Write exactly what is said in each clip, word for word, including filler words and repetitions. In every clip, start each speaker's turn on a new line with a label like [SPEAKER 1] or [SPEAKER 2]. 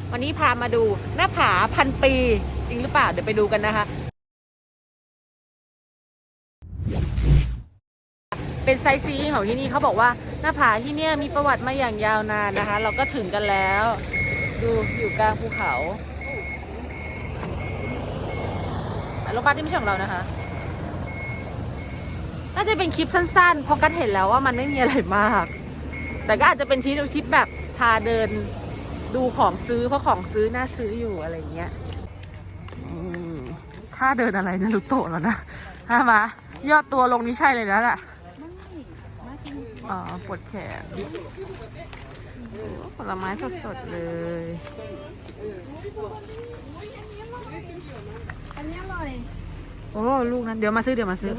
[SPEAKER 1] วันนี้พามาดูหน้าผาพันปีจริงหรือเปล่าเดี๋ยวไปดูกันนะคะเป็นไซต์ซีอิ้งของที่นี่เขาบอกว่าหน้าผาที่เนี่ยมีประวัติมาอย่างยาวนานนะคะเราก็ถึงกันแล้วดูอยู่กลางภูเขารถบัสที่ไม่ใช่ของเรานะคะน่าจะเป็นคลิปสั้นๆเพราะกันเห็นแล้วว่ามันไม่มีอะไรมากแต่ก็อาจจะเป็นทริปทริปแบบพาเดินดูของซื้อเพราะของซื้อน่าซื้ออยู่อะไรเงี้ยถ้าเดินอะไรนะลุโตะแล้วนะถ้ามายอดตัวลงนี้ใช่เลยนะแหละอ๋อปวดแขนผลไม้สดๆเลย
[SPEAKER 2] อันนี้อร่อย
[SPEAKER 1] โอ้ลูกนั้นเดี๋ยวมาซื้อเดี๋ยวมาซื้อ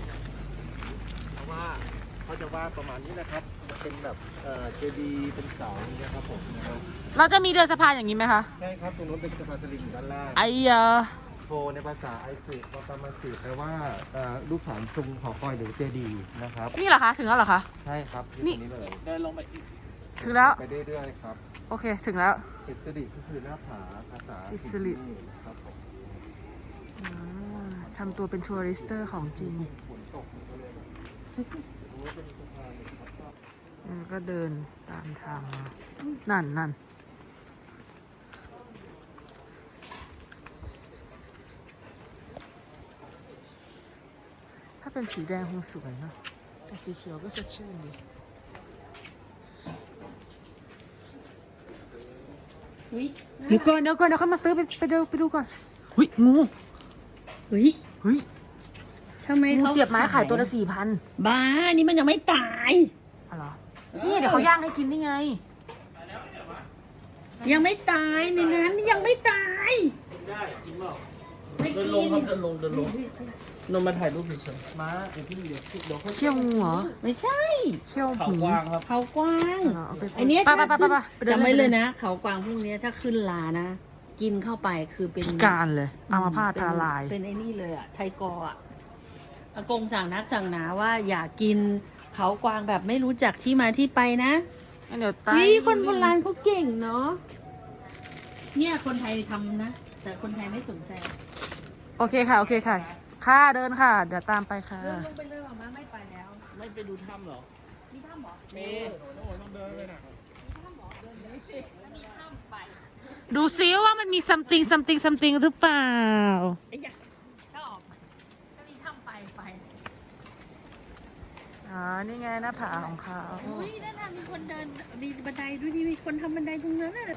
[SPEAKER 3] ว่าเขาจะว่าประมาณนี้นะครับเป็นแบบเอ่อเจดีเป็นเสาอย่างเงี้ยครับผมนะครับ
[SPEAKER 1] เราจะมีเดินสะพานอย่างนี้ไหมคะ
[SPEAKER 3] ใช่ครับตรงนู้นเป็นสะพานสลิงด้านล่าง
[SPEAKER 1] ไอ้ยา
[SPEAKER 3] โทในภาษาไอซิกว่าประมาณสื่อแปลว่ารูปฐานทรงหอคอยหรือเจดีนะครับ
[SPEAKER 1] นี่เหรอคะถึงแล้วเหรอคะ
[SPEAKER 3] ใช่ครับนี่เลยเดินลงไปอีก
[SPEAKER 1] ถึงแล้ว
[SPEAKER 3] ไปเรื่อยๆครับ
[SPEAKER 1] โอเคถึงแล้ว
[SPEAKER 3] อิสริก็คือหน้าผาภาษา
[SPEAKER 1] อิสริ
[SPEAKER 3] ครับผม
[SPEAKER 1] ทำตัวเป็นทัวริสเตอร์ของจริงก็เดินตามทางมานั่นนั่นถ้าเป็นสีแดงคงสวยเนาะแต่สีเขียวก็สดชื่นดีเดี๋ยวก่อนเดี๋ยวก่อนเดี๋ยวเขามาซื้อไปไปดูไปดูก่อนหุ้ยงู
[SPEAKER 2] เฮ้ย
[SPEAKER 1] เฮ้ย
[SPEAKER 2] ทำไมเขา
[SPEAKER 1] เสียบไม้ขายตัวละสี่พัน
[SPEAKER 2] บ้านี่มันยังไม่ตาย
[SPEAKER 1] อะไรนี่เดี๋ยวเขาย่างให้กินนี่ไง
[SPEAKER 2] ยังไม่ตายในนั้นยังไม่ตาย
[SPEAKER 3] ได้กินเปล่า
[SPEAKER 2] ไม่กิน
[SPEAKER 3] เดินลงครับเดินลงเดินลงนนมาถ่ายรูปเฉยๆม้าเดี๋ยวพี่เดี๋ยวเดี๋ยว
[SPEAKER 1] เชี่ยวงูเหรอ
[SPEAKER 2] ไม่ใช่
[SPEAKER 1] เชี่ยว
[SPEAKER 3] เขากวางครับ
[SPEAKER 2] เขากวาง
[SPEAKER 1] อั
[SPEAKER 2] นนี้
[SPEAKER 1] ป้าป้าป้าป้า
[SPEAKER 2] จำไว้เลยนะเขากวางพวกนี้ถ้าขึ้นลานะกินเข้าไปคือเป็น
[SPEAKER 1] พิการเลยอัมพาตพาลาย
[SPEAKER 2] เป็นไอ้นี่เลยอ่ะไทกออ่ะอากงสั่งนักสั่งหนาว่าอย่ากินเขากวางแบบไม่รู้จักที่มาที่ไปนะ
[SPEAKER 1] เดี๋ยวตาย
[SPEAKER 2] นี่คนโบราณเขาเก่งเนาะเนี่ยคนไทยทำนะแต่คนไทยไม่สนใจ
[SPEAKER 1] โอเคค่ะโอเคค่ะค่ะเดินค่ะเดี๋ยวตามไปค่ะ
[SPEAKER 2] เดินลงไปเลยหรอมาไม่ไปแล้ว
[SPEAKER 3] ไม่ไปดูถ้ำหรอ
[SPEAKER 2] มีถ้ำหรอ
[SPEAKER 3] มีโอ้ต้องเดินเลยนะ
[SPEAKER 1] ดูซิว่ามันมี something something something หรือเปล่า
[SPEAKER 2] ไอ้ยะชอบถ้ามีถ้ำไปไป
[SPEAKER 1] อ๋อนี่ไงหน้าผาของเขา
[SPEAKER 2] อุ้ยนั่นน่ะมีคนเดินมีบันไดด้วยดิมีคนทำบันไดตรงนั้นน่ะ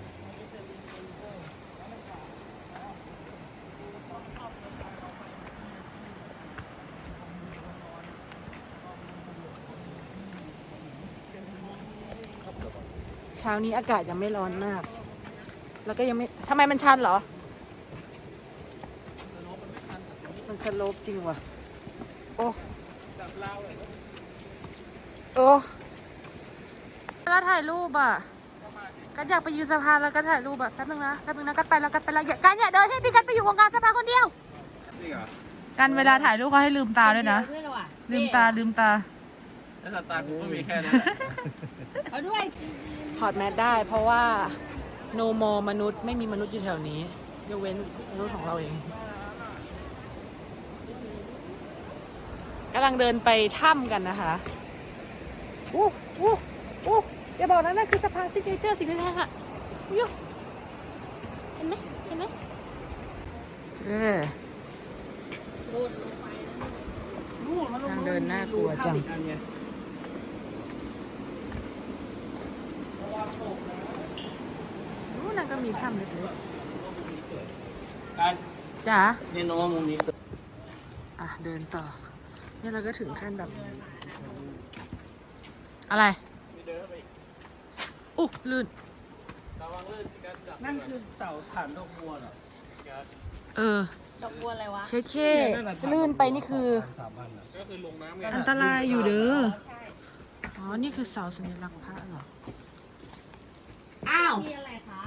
[SPEAKER 1] เช้านี้อากาศยังไม่ร้อนมากแล้วก็ยังไม่ทำไมมันชันเหรอมันสโลปจริงว่ะโอ้โอ้แล้วถ่ายรูปอ่ะกันอยากไปยืนสะพานแล้วก็ถ่ายรูปอ่ะแป๊บนึงนะแป๊บนึงนะกันไปแล้วกันไปแล้วกันอย่าเดินให้พี่กันไปอยู่วงการสะพานคนเดียวกันเวลาถ่ายรูปเขาให้ลืมตาด้วยนะลืมตาลืมตา
[SPEAKER 3] แล้วตาผมก็มีแค่นั้น
[SPEAKER 2] เอาด้วย
[SPEAKER 1] ถอดแมสได้เพราะว่าโนมอมนุษย์ไม่มีมนุษย์อยู่แถวนี้ยกเว้นมนุษย์ของเราเองกำลังเดินไปถ้ำกันนะคะอู้อู้อู้อย่าบอกนะนั่นคือสะพานซิกเนเจอร์สิ่งที่แท้ค่ะยูเห็นไหมเห็นไหมเออทางเดินน่ากลัวจังนั่นก็มีถ้ำเล็กๆจ้า
[SPEAKER 3] เนี่ยน้องมุมนี้
[SPEAKER 1] อ่ะเดินต่อเนี่ยเราก็ถึงขั้นแบบอะไรอุ๊ลื่น
[SPEAKER 3] นั่นคือเสาฐานดอกบัวเหรอ
[SPEAKER 1] เออ
[SPEAKER 2] ดอกบัวอะไรวะ
[SPEAKER 1] เช็คเช่ลื่นไปนี่คืออันตรายอยู่เด้ออ๋อนี่คือเสาสัญลักษณ์พระเหรออ้าว
[SPEAKER 2] มีอะไรคะ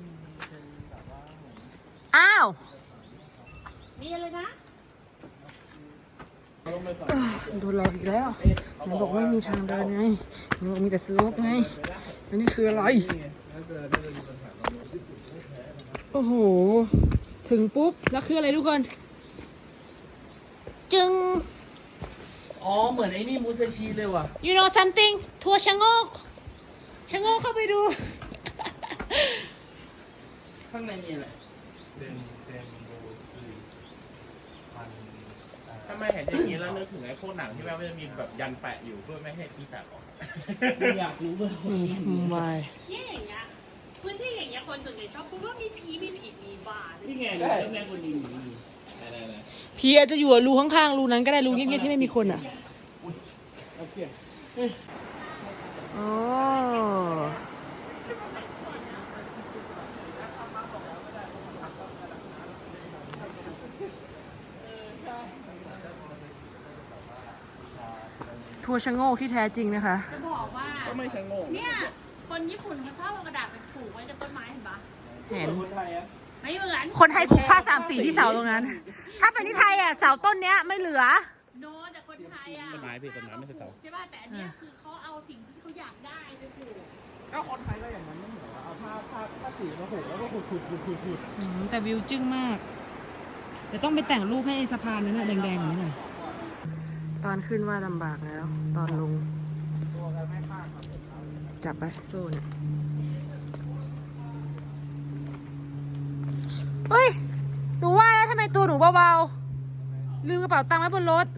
[SPEAKER 1] อ้าว
[SPEAKER 2] มีอะไรนะ
[SPEAKER 1] โดนหลอกอีกแล้วหนูบอกไม่มีทางเดินไงหนูบอกมีแต่สโลปไงอันนี้คืออะไรโอ้โห ถึงปุ๊บ แล้วคืออะไรทุกคน จึง
[SPEAKER 2] อ๋อเหมือนไอ้นี่มูซาชิเลยว่ะ
[SPEAKER 1] you know something ทัวร์ชะโงกชะโงกเข้าไปดู
[SPEAKER 2] ข้างในมีอะไร
[SPEAKER 3] เป็นเป็นดูคือพันอ่า
[SPEAKER 4] ทำไมเห็นอย่างนี้แล้วนึกถึงไอ้พวกหนังที่แบบว่าจะมีแบบยันแปะอยู่เพื่อไม่ให้ที่แตกออก
[SPEAKER 2] อยากรู้ว่า
[SPEAKER 1] วาย
[SPEAKER 5] เนี่ยอย่างเงี้ยพื้นที่อย่างเงี้ยคนส่วนใหญ่ชอบพูดว่ามีผีมีผีมีบ้า
[SPEAKER 2] นี่ไงเรื่องแม่คนดี
[SPEAKER 1] ผีอาจจะอยู่รูข้างๆรูนั้นก็ได้รูเงียบๆที่ไม่มีคนอ่ะ
[SPEAKER 2] โอเค
[SPEAKER 1] โอ้ทัวร์ชะโงกที่แท้จริงนะคะ
[SPEAKER 5] จะบอกว่า
[SPEAKER 4] ก็ไม่ชะโงก
[SPEAKER 5] เนี่ยคนญี่ปุ่นเขาชอบเอากระดาษไปผูกไว้กับต้นไม้เห็นปะ
[SPEAKER 1] เห็น
[SPEAKER 2] คนไทยอะ
[SPEAKER 5] ไม่เหมือน
[SPEAKER 1] คนไทยผูกผ้าสามสีที่เสาตรงนั้น ถ้าเป็นที่ไทยอ่ะเสาต้นเนี้ยไม่เหลือ
[SPEAKER 5] โน้ตแต่คนไทยอ่ะ
[SPEAKER 4] ต้นไม้พี่ต้นไม้ไม่ใช่เสา
[SPEAKER 5] ใช่ป่ะแต่อันเนี้ยคือเขาเอาสิ่งที่เขาอยากได้ไปผูก
[SPEAKER 4] ก็คนไทยก็อย่างนั้นไม่เหรอเอาผ้าผ้าผ้าสีมาผูกแล้วก็ขุดขุดขุดขุดขุด
[SPEAKER 1] อืมแต่วิวจึ้งมาก เดี๋ยวต้องไปแต่งรูปให้ไอ้สะพานนั้นนะแดงๆอย่างนี้หน่อย ตอนขึ้นว่าลำบากแล้ว ตอนลง จับไปโซ่เนี่ยเฮ้ย หนูว่าแล้วทำไมตัวหนูเบาๆ ลืมกระเป๋าตังค์ไว้บนรถ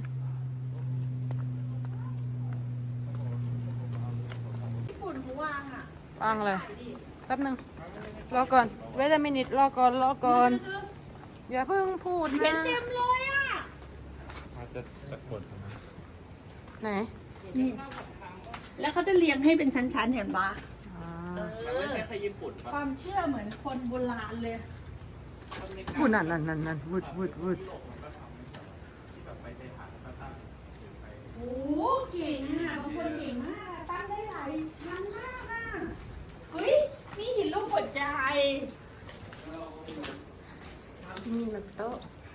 [SPEAKER 5] ญี่ปุ่นเขาวางอ่ะ
[SPEAKER 1] วางเลย แป๊บนึง รอก่อน เวทมินิตรอก่อน รอก่อน อย่าเพิ่งพูด
[SPEAKER 5] เห็น
[SPEAKER 1] นะ
[SPEAKER 5] เต็มเลยอ่ะ
[SPEAKER 4] อาจจะตะกด
[SPEAKER 1] ไหน
[SPEAKER 5] แล้วเขาจะเรียงให้เป็นชั้นๆเห็นปะ
[SPEAKER 1] อ่า
[SPEAKER 4] มันไม่ใช่แค่ญี่ปุ่นปะ
[SPEAKER 5] ความเชื่อเหมือนคนโบราณเลย
[SPEAKER 1] พูดนั่นนั่นนั่นนั่นวุดวุดวุด
[SPEAKER 5] โอ้เก่งอ่ะบางคนเก่งมากอะตั้งได้หลายชั้นมากอ่ะเฮ้ยมีหินรูปหัวใจ
[SPEAKER 1] ซิมินาโตะ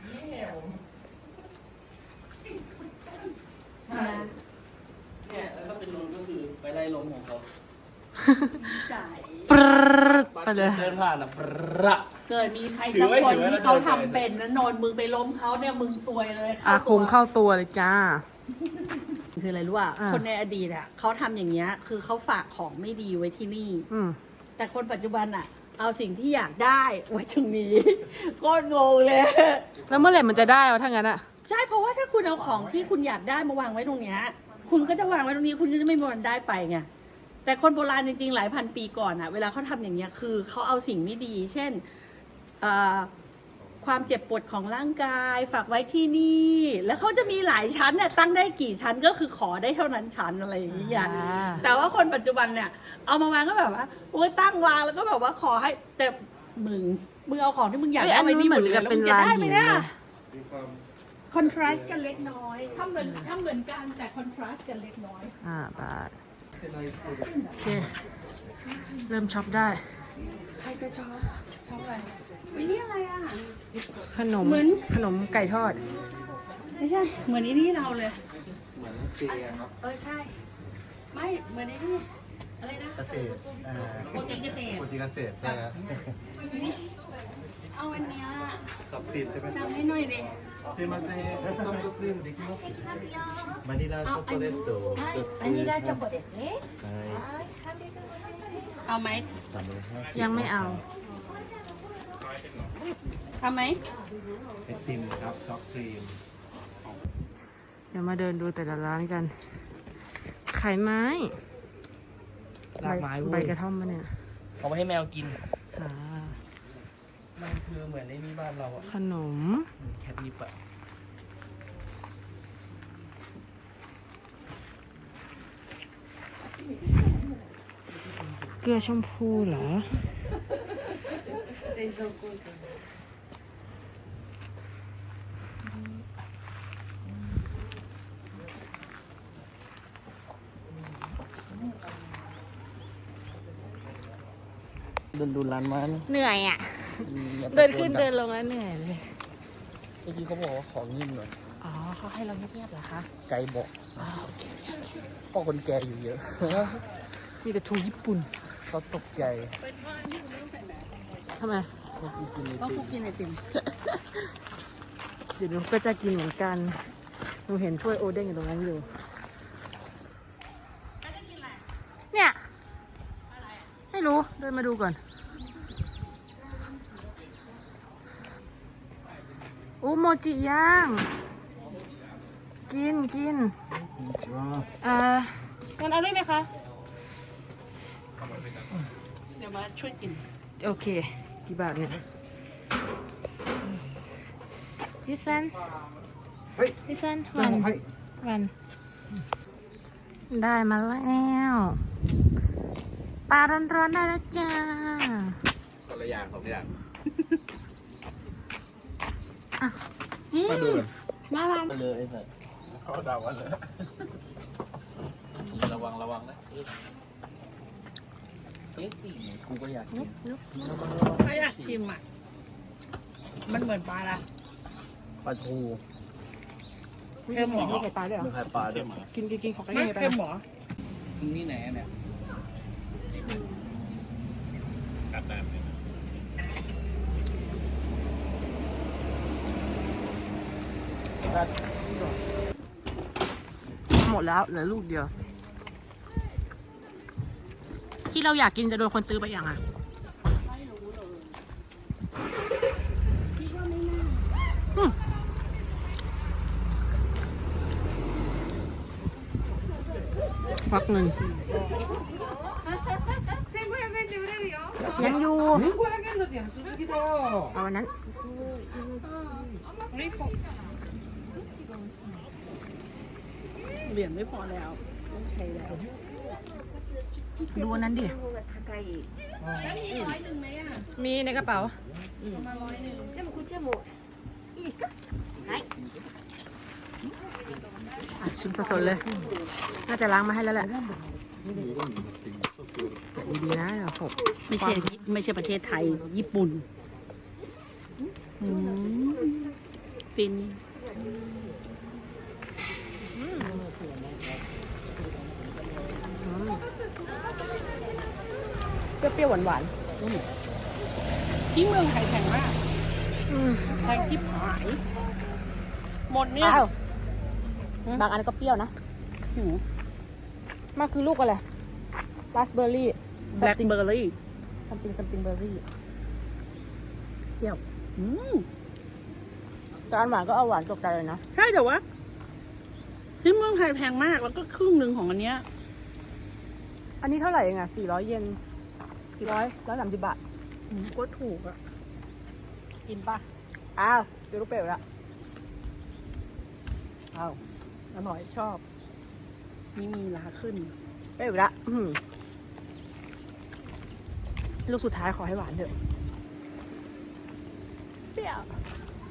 [SPEAKER 2] เนี่ยแล้วก็เป็นลมก็คือไปไล่ลมของเขา
[SPEAKER 5] สาย
[SPEAKER 1] ปรึ๊ดไปเลย
[SPEAKER 2] เส้นผ่านอะปร๊ะ
[SPEAKER 5] เกิดมีใครสักคนที่เขาทำเป็นนะนอนมึงไปล้มเขาเนี่ยมึงซวยเลย
[SPEAKER 1] อาค
[SPEAKER 5] ตัว
[SPEAKER 1] งเข้าตัวเลยจ้า
[SPEAKER 5] คืออะไรรู้ป่ะ
[SPEAKER 1] อ่า
[SPEAKER 5] คนในอดีตอ่ะเขาทำอย่างเงี้ยคือเขาฝากของไม่ดีไว้ที่นี่
[SPEAKER 1] อืม
[SPEAKER 5] แต่คนปัจจุบันอ่ะ เอาสิ่งที่อยากได้ไว้ตรงนี้ โคตรงงเลย
[SPEAKER 1] แล้วเมื่อไหร่มันจะได้วะถ้างั้นอะ
[SPEAKER 5] ใช่เพราะว่าถ้าคุณเอาของที่คุณอยากได้มาวางไว้ตรงเนี้ยคุณก็จะวางไว้ตรงนี้คุณก็จะไม่มีวันได้ไปไงแต่คนโบราณจริงๆหลายพันปีก่อนอ่ะเวลาเขาทำอย่างเงี้ยคือเขาเอาสิ่งไม่ดี เช่นเอ่อความเจ็บปวดของร่างกายฝากไว้ที่นี่ แล้วเขาจะมีหลายชั้นเนี่ยตั้งได้กี่ชั้นก็คือขอได้เท่านั้นชั้นอะไรอย่างเงี้ย
[SPEAKER 1] อ่า
[SPEAKER 5] แต่ว่าคนปัจจุบันเนี่ยเอามาวางก็แบบว่าโอ้ยตั้งวางแล้วก็แบบว่าขอให้แต่มึงมึงเอาของที่มึงอยาก
[SPEAKER 1] เอ้ย
[SPEAKER 5] ได้
[SPEAKER 1] อัน
[SPEAKER 5] ไว้
[SPEAKER 1] นู้น
[SPEAKER 5] นี่
[SPEAKER 1] เห
[SPEAKER 5] ห
[SPEAKER 1] มื
[SPEAKER 5] ม
[SPEAKER 1] อ
[SPEAKER 5] ด
[SPEAKER 1] น
[SPEAKER 5] เลย
[SPEAKER 1] กับ
[SPEAKER 5] แล้ว
[SPEAKER 1] เป็น
[SPEAKER 5] มึงจะ
[SPEAKER 1] ลาน
[SPEAKER 5] ได้ไหม
[SPEAKER 1] หิน
[SPEAKER 5] เนี่ย
[SPEAKER 1] เลย
[SPEAKER 3] มีความ
[SPEAKER 5] คอนทราสต์กันเล็กน้อยทำเหมือนทำเหมือนกันแต่คอนทราสต์กันเล็กน้อย
[SPEAKER 1] อ่าบาท
[SPEAKER 3] เป็นอะไรสุด
[SPEAKER 1] โอเค เริ่มช็อปได้
[SPEAKER 5] วินี่อะไรอ่ะ
[SPEAKER 1] ขนม
[SPEAKER 5] เหมือน
[SPEAKER 1] ขนมไก่ทอด
[SPEAKER 5] ไม่ใช่ เหมือนไอ้นี่เราเลย
[SPEAKER 3] เหมือนเจครับ
[SPEAKER 5] เออใช่ ไม่เหมือนไอ้นี่อะไรนะ
[SPEAKER 3] เกษตรอ่า
[SPEAKER 5] โปรตีนเกษตร
[SPEAKER 3] โปรตีนเกษตรใช่ครับ
[SPEAKER 5] เอาอันเนี้ย
[SPEAKER 3] ซับครีมใช่ไหม
[SPEAKER 5] ทำให้หน่อยดิ
[SPEAKER 3] すいませんソフトクリームできますバニラチョコレート
[SPEAKER 5] อันนี้ได้จับですね
[SPEAKER 3] はい
[SPEAKER 5] เอาไหม
[SPEAKER 3] สามร้อยห้าสิบ
[SPEAKER 1] ยังไม่เอา
[SPEAKER 5] เอาไหม
[SPEAKER 3] ไอติมครับช็อกครีม
[SPEAKER 1] เดี๋ยวมาเดินดูแต่ละร้านกัน ขายไม้
[SPEAKER 2] ลากไม้
[SPEAKER 1] ใบ
[SPEAKER 2] เว้ย
[SPEAKER 1] กระท่อมมาเนี่ย
[SPEAKER 2] เอาไปให้แมวกิน
[SPEAKER 1] อ่า
[SPEAKER 2] มันคือเหมือนไอ้นี่บ้านเราอะ
[SPEAKER 1] ขนม
[SPEAKER 2] แคทนิปอะ
[SPEAKER 1] เกลือชมพูเหรอ
[SPEAKER 2] เดินดูร้านไม้นะ
[SPEAKER 1] เหนื่อยอ่ะ
[SPEAKER 2] อย่า
[SPEAKER 1] เดิน
[SPEAKER 2] ตะโก
[SPEAKER 1] ขึ้น
[SPEAKER 2] ดัง
[SPEAKER 1] เดินลงแล้วเหนื่อยเลย
[SPEAKER 2] เมื่อกี้เขาบอกว่าของนิ่มหน่อย
[SPEAKER 1] อ๋อเขาให้เราเงียบๆเหรอคะ
[SPEAKER 2] ไกลบอก
[SPEAKER 1] อ๋อโอเคโอเค
[SPEAKER 2] พ่อคนแก่อยู่เยอะ
[SPEAKER 1] มีแต่ทูญี่ปุ่น
[SPEAKER 2] เขาตกใจ
[SPEAKER 1] ทำไม
[SPEAKER 2] ค
[SPEAKER 4] ราะกูกินไอ
[SPEAKER 5] เพราะ
[SPEAKER 4] ติ
[SPEAKER 5] กู
[SPEAKER 4] ม
[SPEAKER 5] กินไอติม
[SPEAKER 1] เดี๋ยวหนูก็จะกินเหมือนกัน หนูเห็นถ้วยโอเด้งอยู่ตรงนั้นอยู่ เนี่ย ไม่รู้ เดินมาดูก่อนอู้โมจิย่าง กินกินเอ่องั้นเอาด้วยไหมคะ
[SPEAKER 5] เดี๋ยวมาช่วยกิน
[SPEAKER 1] โอเค กี่บาทเนี่ย this one
[SPEAKER 3] เฮ้ย
[SPEAKER 1] this one
[SPEAKER 3] เจ้า
[SPEAKER 1] one
[SPEAKER 3] ของให้
[SPEAKER 1] one ได้มาแล้วปลาร้อนๆได้แล้วจ้า
[SPEAKER 4] คนละอย่างสองอย่าง
[SPEAKER 3] มาดูเลย
[SPEAKER 1] มาลอง
[SPEAKER 4] ไปเลยไอ้สัสเขาเดาวันเลยระวังระวังนะเอ๊ะตีกูก็อยากกิน
[SPEAKER 5] ถ้าอยากชิมอ่ะ มันเหมือนปลาละ
[SPEAKER 4] ปลาทู
[SPEAKER 5] เค็มหรอ
[SPEAKER 1] มีไข่ปลาด้วยเหร
[SPEAKER 4] มึ
[SPEAKER 1] อง
[SPEAKER 4] ไข่ปลาด้วย
[SPEAKER 1] กินกินกินของกัน
[SPEAKER 5] ไม่
[SPEAKER 1] ยังไงไป
[SPEAKER 5] เค็มหรอ
[SPEAKER 4] มึงนี่ไหนเนี่ยกัดน้ำเลยนะ
[SPEAKER 1] หมดแล้วเหลือลูกเดียว ที่เราอยากกินจะโดนคนซื้อไปอย่างอ่ะอืมพักหนึ่งยังอยู่ เอาอันนั้น
[SPEAKER 5] เหรียญไม่พอแล้วต้องใช้แล้ว
[SPEAKER 1] ดูอันนั้นดิ มีในกระเป๋าอ่ะชิมสดๆเลย น่าจะล้างมาให้แล้วแหละแกะดีๆนะเดี๋ยวหก
[SPEAKER 5] ไม่ใช่ไม่ใช่ประเทศไทย ญี่ปุ่นอืมฟินเปรี้ยวๆหวานๆที่เมืองไทยแพงมาก
[SPEAKER 1] อืม
[SPEAKER 5] แพงที่หาย หมดเนี่ย
[SPEAKER 1] อ้าวบางอันก็เปรี้ยวนะ
[SPEAKER 5] หืม
[SPEAKER 1] มันคือลูกอะไรราสเบอร์รี่
[SPEAKER 5] แบล็คเบอร์รี่
[SPEAKER 1] ซัมติงซัมติงเบอร์รี่เปรี้ยว
[SPEAKER 5] อืม
[SPEAKER 1] แต่อันหวานก็เอาหวานตกใจเลยนะ
[SPEAKER 5] ใช่แต่ว่าที่เมืองไทยแพงมากแล้วก็ครึ่งหนึ่งของอันเนี้ย
[SPEAKER 1] อันนี้เท่าไหร่เองอ่ะสี่ร้อยเยนกี่ร้อยร้อยสามสิบบาท
[SPEAKER 5] อืมก็ถูกอะ
[SPEAKER 1] กินป่ะ อ้าวเดี๋ยวลูกเปรี้ยวละ
[SPEAKER 5] อ้าวอร่อยชอบ นี่มีราขึ้น
[SPEAKER 1] เปรี้ยวละอื้อหือลูกสุดท้ายขอให้หวานเถอะ เปรี้ยว